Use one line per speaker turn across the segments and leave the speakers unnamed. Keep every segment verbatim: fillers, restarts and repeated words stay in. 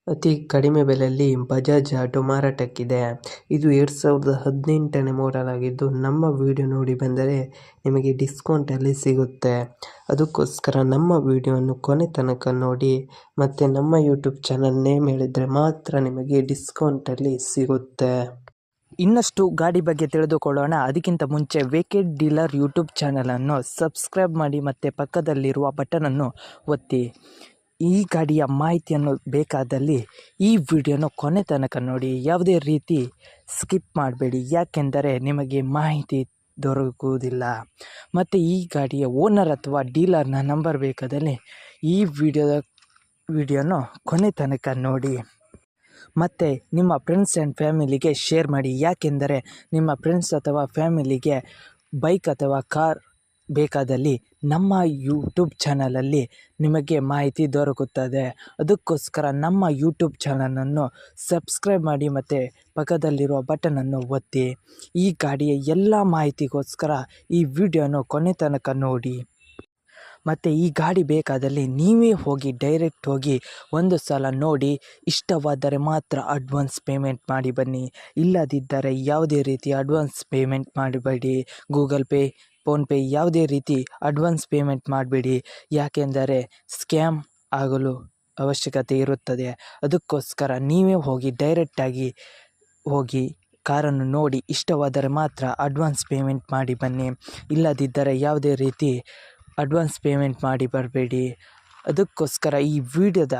ಅತಿ ಕಡಿಮೆ ಬೆಲೆಯಲ್ಲಿ ಬಜಾಜ್ ಆಟೋ ಮಾರಾಟಕ್ಕಿದೆ. ಇದು ಎರಡು ಸಾವಿರದ ಹದಿನೆಂಟನೇ ಮಾಡೆಲ್ ಆಗಿದ್ದು, ನಮ್ಮ ವಿಡಿಯೋ ನೋಡಿ ಬಂದರೆ ನಿಮಗೆ ಡಿಸ್ಕೌಂಟಲ್ಲಿ ಸಿಗುತ್ತೆ. ಅದಕ್ಕೋಸ್ಕರ ನಮ್ಮ ವಿಡಿಯೋವನ್ನು ಕೊನೆ ತನಕ ನೋಡಿ ಮತ್ತು ನಮ್ಮ ಯೂಟ್ಯೂಬ್ ಚಾನಲ್ ನೇಮ್ ಹೇಳಿದರೆ ಮಾತ್ರ ನಿಮಗೆ ಡಿಸ್ಕೌಂಟಲ್ಲಿ ಸಿಗುತ್ತೆ.
ಇನ್ನಷ್ಟು ಗಾಡಿ ಬಗ್ಗೆ ತಿಳಿದುಕೊಳ್ಳೋಣ. ಅದಕ್ಕಿಂತ ಮುಂಚೆ ವೇಕೆಡ್ ಡೀಲರ್ ಯೂಟ್ಯೂಬ್ ಚಾನಲನ್ನು ಸಬ್ಸ್ಕ್ರೈಬ್ ಮಾಡಿ ಮತ್ತು ಪಕ್ಕದಲ್ಲಿರುವ ಬಟನನ್ನು ಒತ್ತಿ. ಈ ಗಾಡಿಯ ಮಾಹಿತಿಯನ್ನು ಬೇಕಾದಲ್ಲಿ ಈ ವಿಡಿಯೋನ ಕೊನೆ ತನಕ ನೋಡಿ, ಯಾವುದೇ ರೀತಿ ಸ್ಕಿಪ್ ಮಾಡಬೇಡಿ, ಯಾಕೆಂದರೆ ನಿಮಗೆ ಮಾಹಿತಿ ದೊರಕುವುದಿಲ್ಲ. ಮತ್ತು ಈ ಗಾಡಿಯ ಓನರ್ ಅಥವಾ ಡೀಲರ್ನ ನಂಬರ್ ಬೇಕಾದಲ್ಲಿ ಈ ವಿಡಿಯೋದ ವಿಡಿಯೋನ ಕೊನೆ ತನಕ ನೋಡಿ ಮತ್ತು ನಿಮ್ಮ ಫ್ರೆಂಡ್ಸ್ ಆ್ಯಂಡ್ ಫ್ಯಾಮಿಲಿಗೆ ಶೇರ್ ಮಾಡಿ, ಯಾಕೆಂದರೆ ನಿಮ್ಮ ಫ್ರೆಂಡ್ಸ್ ಅಥವಾ ಫ್ಯಾಮಿಲಿಗೆ ಬೈಕ್ ಅಥವಾ ಕಾರ್ ಬೇಕಾದಲ್ಲಿ ನಮ್ಮ ಯೂಟ್ಯೂಬ್ ಚಾನಲಲ್ಲಿ ನಿಮಗೆ ಮಾಹಿತಿ ದೊರಕುತ್ತದೆ. ಅದಕ್ಕೋಸ್ಕರ ನಮ್ಮ ಯೂಟ್ಯೂಬ್ ಚಾನಲನ್ನು ಸಬ್ಸ್ಕ್ರೈಬ್ ಮಾಡಿ ಮತ್ತು ಪಕ್ಕದಲ್ಲಿರುವ ಬಟನನ್ನು ಒತ್ತಿ. ಈ ಗಾಡಿಯ ಎಲ್ಲ ಮಾಹಿತಿಗೋಸ್ಕರ ಈ ವಿಡಿಯೋನ ಕೊನೆ ತನಕ ನೋಡಿ. ಮತ್ತು ಈ ಗಾಡಿ ಬೇಕಾದಲ್ಲಿ ನೀವೇ ಹೋಗಿ ಡೈರೆಕ್ಟ್ ಹೋಗಿ ಒಂದು ಸಲ ನೋಡಿ, ಇಷ್ಟವಾದರೆ ಮಾತ್ರ ಅಡ್ವಾನ್ಸ್ ಪೇಮೆಂಟ್ ಮಾಡಿ ಬನ್ನಿ. ಇಲ್ಲದಿದ್ದರೆ ಯಾವುದೇ ರೀತಿ ಅಡ್ವಾನ್ಸ್ ಪೇಮೆಂಟ್ ಮಾಡಬೇಡಿ. ಗೂಗಲ್ ಪೇ, ಫೋನ್ಪೇ ಯಾವುದೇ ರೀತಿ ಅಡ್ವಾನ್ಸ್ ಪೇಮೆಂಟ್ ಮಾಡಬೇಡಿ, ಯಾಕೆಂದರೆ ಸ್ಕ್ಯಾಮ್ ಆಗಲು ಅವಶ್ಯಕತೆ ಇರುತ್ತದೆ. ಅದಕ್ಕೋಸ್ಕರ ನೀವೇ ಹೋಗಿ ಡೈರೆಕ್ಟಾಗಿ ಹೋಗಿ ಕಾರನ್ನು ನೋಡಿ, ಇಷ್ಟವಾದರೆ ಮಾತ್ರ ಅಡ್ವಾನ್ಸ್ ಪೇಮೆಂಟ್ ಮಾಡಿ ಬನ್ನಿ. ಇಲ್ಲದಿದ್ದರೆ ಯಾವುದೇ ರೀತಿ ಅಡ್ವಾನ್ಸ್ ಪೇಮೆಂಟ್ ಮಾಡಿ ಬರಬೇಡಿ. ಅದಕ್ಕೋಸ್ಕರ ಈ ವಿಡಿಯೋದ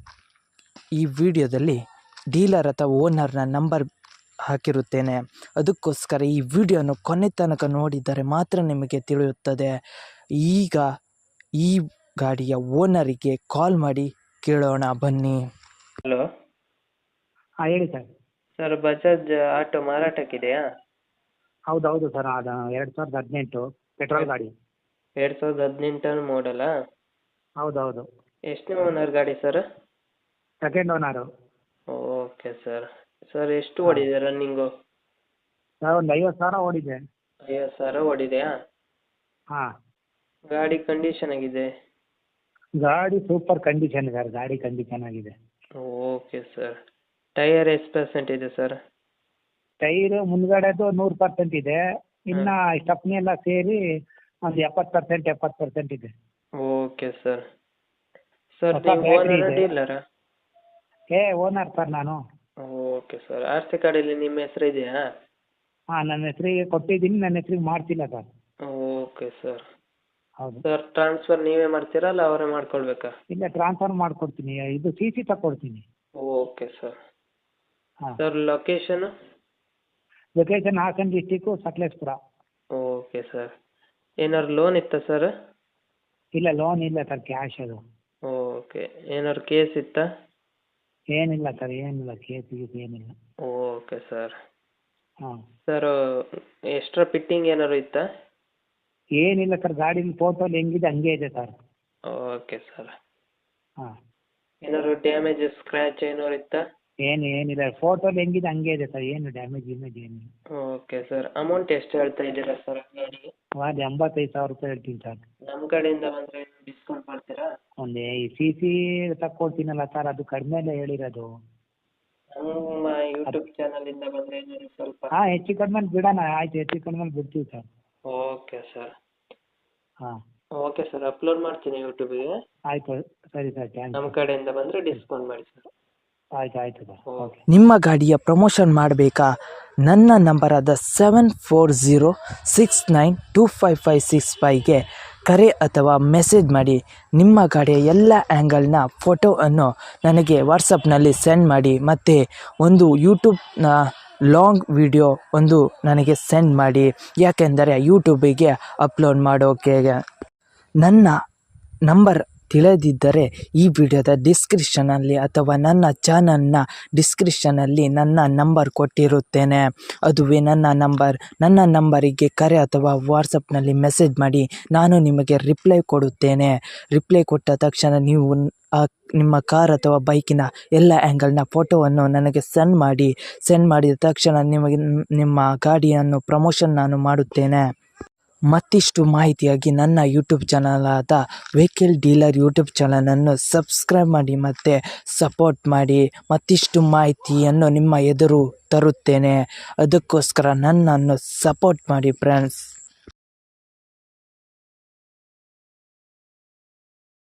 ಈ ವಿಡಿಯೋದಲ್ಲಿ ಡೀಲರ್ ಅಥವಾ ಓನರ್ನ ನಂಬರ್ ಹಾಕಿರುತ್ತೇನೆ. ಅದಕ್ಕೋಸ್ಕರ ಈ ವಿಡಿಯೋನ ಕೊನೆ ತನಕ ನೋಡಿದರೆ ಮಾತ್ರ ನಿಮಗೆ ತಿಳಿಯುತ್ತದೆ. ಈಗ ಈ ಗಾಡಿಯ ಓನರಿಗೆ ಕಾಲ್ ಮಾಡಿ ಕೇಳೋಣ ಬನ್ನಿ.
ಹಲೋ
ಹಾಂ ಹೇಳಿ ಸರ್.
ಸರ್, ಬಜಾಜ್ ಆಟೋ ಮಾರಾಟಕ್ಕಿದೆಯಾ?
ಹೌದು ಹೌದು ಸರ್, ಅದು ಎರಡು ಸಾವಿರದ ಹದಿನೆಂಟು ಪೆಟ್ರೋಲ್ ಗಾಡಿ.
ಎರಡು ಸಾವಿರದ ಹದಿನೆಂಟರ ಮಾಡೆಲಾ?
ಹೌದು ಹೌದು.
ಎಷ್ಟನೇ ಓನರ್ ಗಾಡಿ sir?
Second owner.
Okay sir. Sir, ಎಷ್ಟು ಓಡಿದೆ ರನ್ನಿಂಗು?
ಸರ್ ಒಂದು ಐವತ್ತು ಸಾವಿರ ಓಡಿದೆ.
ಐವತ್ತು ಸಾವಿರ ಓಡಿದೆಯಾ?
ಹಾಂ.
ಗಾಡಿ ಕಂಡೀಷನ್ ಆಗಿದೆ?
ಗಾಡಿ ಸೂಪರ್ ಕಂಡೀಷನ್ ಸರ್, ಗಾಡಿ ಕಂಡೀಷನ್ ಆಗಿದೆ.
Okay sir. ಟೈಯರ್ ಎಷ್ಟು ಪರ್ಸೆಂಟ್ ಇದೆ ಸರ್?
ಟೈರು ಮುಂದ್ಗಡೆದು ನೂರು ಪರ್ಸೆಂಟ್ ಇದೆ, ಇನ್ನು ಸ್ಟಪ್ನಿ ಎಲ್ಲ ಸೇರಿ ಒಂದು ಎಪ್ಪತ್ತು ಪರ್ಸೆಂಟ್ ಎಪ್ಪತ್ತು ಪರ್ಸೆಂಟ್ ಇದೆ.
Okay sir. ಸರ್,
ಹೊಸ
ನೀವು
ಬ್ಯಾಟ್ರಿ
ಓನರ್
ಇದೆ.
ಡೀಲರಾ?
ಏ ಓನರ್ ಸರ್ ನಾನು.
Okay sir. ಆರ್ ಸಿ ಕಾರ್ಡಲ್ಲಿ ನಿಮ್ಮ ಹೆಸರು ಇದೆಯಾ?
ಹಾಂ, ನನ್ನ ಹೆಸರಿಗೆ ಕೊಟ್ಟಿದ್ದೀನಿ, ನನ್ನ ಹೆಸರಿಗೆ ಮಾಡ್ತಿಲ್ಲ ಸರ್.
Okay sir.
ಹೌದು
ಸರ್, ಟ್ರಾನ್ಸ್ಫರ್ ನೀವೇ ಮಾಡ್ತೀರಾ ಅಲ್ಲ ಅವರೇ ಮಾಡ್ಕೊಳ್ಬೇಕಾ?
ಇಲ್ಲ, ಟ್ರಾನ್ಸ್ಫರ್ ಮಾಡಿಕೊಡ್ತೀನಿ, ಇದು ಸಿ ಸಿ ತಗೊಡ್ತೀನಿ.
Okay sir.
ಹಾಂ.
Sir, location?
Location Hassan district, Sakleshpur.
Okay sir. ಏನಾದ್ರು ಲೋನ್ ಇತ್ತಾ ಸರ್?
ಇಲ್ಲ, ಲೋನ್ ಇಲ್ಲ ಸರ್, ಕ್ಯಾಶ್ ಅದು.
ಓಕೆ. ಏನಾದ್ರು ಕೇಸ್ ಇತ್ತಾ?
ಏನಿಲ್ಲ ಸರ್, ಏನಿಲ್ಲ, ಕೇಸ್ ಗೀಸ್ ಏನಿಲ್ಲ.
Okay sir.
ಹಾಂ.
ಸರ್, ಎಕ್ಸ್ಟ್ರಾ ಫಿಟ್ಟಿಂಗ್ ಏನಾದ್ರು ಇತ್ತಾ?
ಏನಿಲ್ಲ ಸರ್, ಗಾಡಿ ಫೋಟೋಲಿ ಹೆಂಗಿದೆ ಹಂಗೆ ಇದೆ ಸರ್.
Okay sir.
ಹಾಂ.
ಏನಾದ್ರು ಡ್ಯಾಮೇಜ್ ಸ್ಕ್ರ್ಯಾಚ್ ಏನಾದ್ರು ಇತ್ತಾ?
ಏನು ಏನಿಲ್ಲ, ಫೋಟೋಲಿ ಹೆಂಗಿದೆ ಹಂಗೆ ಇದೆ ಸರ್, ಏನು ಡ್ಯಾಮೇಜ್ ಇಮೇಜ್ ಏನಿಲ್ಲ.
Okay sir. ಅಮೌಂಟ್ ಎಷ್ಟು ಹೇಳ್ತಾ ಇದ್ದೀರಾ ಸರ್ ಗಾಡಿಗೆ?
ಅದು ಎಂಬತ್ತೈದು ಸಾವಿರ ರೂಪಾಯಿ ಹೇಳ್ತೀನಿ ಸರ್.
ನಮ್ಮ ಕಡೆಯಿಂದ ಬಂದರೆ ಡಿಸ್ಕೌಂಟ್ ಮಾಡ್ತೀರಾ?
ಒಂದು ಈ ಸಿ ಸಿ ತಕ್ಕೊಡ್ತೀನಲ್ಲ ಸರ್, ಅದು ಕಡಿಮೆಲೆ ಹೇಳಿರೋದು.
ನಮ್ಮ ಯೂಟ್ಯೂಬ್ ಚಾನಲಿಂದ ಬಂದರೆ ಏನಾದ್ರು ಸ್ವಲ್ಪ?
ಹಾಂ, ಹೆಚ್ಚು ಕಡಿಮೆ ಬಿಡೋಣ, ಆಯ್ತು, ಹೆಚ್ಚು ಕಡಿಮೆ ಬಿಡ್ತೀವಿ ಸರ್.
Okay sir.
ಹಾಂ.
ಓಕೆ ಸರ್, ಅಪ್ಲೋಡ್ ಮಾಡ್ತೀನಿ ಯೂಟ್ಯೂಬಿಗೆ.
ಆಯಿತು, ಸರಿ ಸರ್, ಥ್ಯಾಂಕ್ಸ್.
ನಮ್ಮ ಕಡೆಯಿಂದ ಬಂದರೆ ಡಿಸ್ಕೌಂಟ್ ಮಾಡಿ ಸರ್.
ಆಯ್ತು ಆಯಿತು ಸರ್, ಓಕೆ.
ನಿಮ್ಮ ಗಾಡಿಯ ಪ್ರಮೋಷನ್ ಮಾಡಬೇಕಾ? ನನ್ನ ನಂಬರಾದ seven four zero six nine two five five six ಫೈವ್ಗೆ ಕರೆ ಅಥವಾ ಮೆಸೇಜ್ ಮಾಡಿ. ನಿಮ್ಮ ಗಾಡಿಯ ಎಲ್ಲ ಆ್ಯಂಗಲ್ನ ಫೋಟೋವನ್ನು ನನಗೆ ವಾಟ್ಸಪ್ನಲ್ಲಿ ಸೆಂಡ್ ಮಾಡಿ ಮತ್ತು ಒಂದು ಯೂಟ್ಯೂಬ್ನ ಲಾಂಗ್ ವಿಡಿಯೋ ಒಂದು ನನಗೆ ಸೆಂಡ್ ಮಾಡಿ, ಯಾಕೆಂದರೆ ಯೂಟ್ಯೂಬಿಗೆ ಅಪ್ಲೋಡ್ ಮಾಡೋಕೆ. ನನ್ನ ನಂಬರ್ ತಿಳಿದಿದ್ದರೆ ಈ ವಿಡಿಯೋದ ಡಿಸ್ಕ್ರಿಪ್ಷನಲ್ಲಿ ಅಥವಾ ನನ್ನ ಚಾನಲ್ನ ಡಿಸ್ಕ್ರಿಪ್ಷನಲ್ಲಿ ನನ್ನ ನಂಬರ್ ಕೊಟ್ಟಿರುತ್ತೇನೆ. ಅದುವೇ ನನ್ನ ನಂಬರ್. ನನ್ನ ನಂಬರಿಗೆ ಕರೆ ಅಥವಾ ವಾಟ್ಸಪ್ನಲ್ಲಿ ಮೆಸೇಜ್ ಮಾಡಿ, ನಾನು ನಿಮಗೆ ರಿಪ್ಲೈ ಕೊಡುತ್ತೇನೆ. ರಿಪ್ಲೈ ಕೊಟ್ಟ ತಕ್ಷಣ ನೀವು ಆ ನಿಮ್ಮ ಕಾರ್ ಅಥವಾ ಬೈಕಿನ ಎಲ್ಲ ಆ್ಯಂಗಲ್ನ ಫೋಟೋವನ್ನು ನನಗೆ ಸೆಂಡ್ ಮಾಡಿ. ಸೆಂಡ್ ಮಾಡಿದ ತಕ್ಷಣ ನಿಮಗೆ ನಿಮ್ಮ ಗಾಡಿಯನ್ನು ಪ್ರಮೋಷನ್ ನಾನು ಮಾಡುತ್ತೇನೆ. ಮತ್ತಿಷ್ಟು ಮಾಹಿತಿಯಾಗಿ ನನ್ನ ಯೂಟ್ಯೂಬ್ ಚಾನಲ್ ಆದ ವೆಹಿಕಲ್ ಡೀಲರ್ ಯೂಟ್ಯೂಬ್ ಚಾನಲನ್ನು ಸಬ್ಸ್ಕ್ರೈಬ್ ಮಾಡಿ ಮತ್ತು ಸಪೋರ್ಟ್ ಮಾಡಿ. ಮತ್ತಿಷ್ಟು ಮಾಹಿತಿಯನ್ನು ನಿಮ್ಮ ಎದುರು ತರುತ್ತೇನೆ. ಅದಕ್ಕೋಸ್ಕರ ನನ್ನನ್ನು ಸಪೋರ್ಟ್ ಮಾಡಿ ಫ್ರೆಂಡ್ಸ್.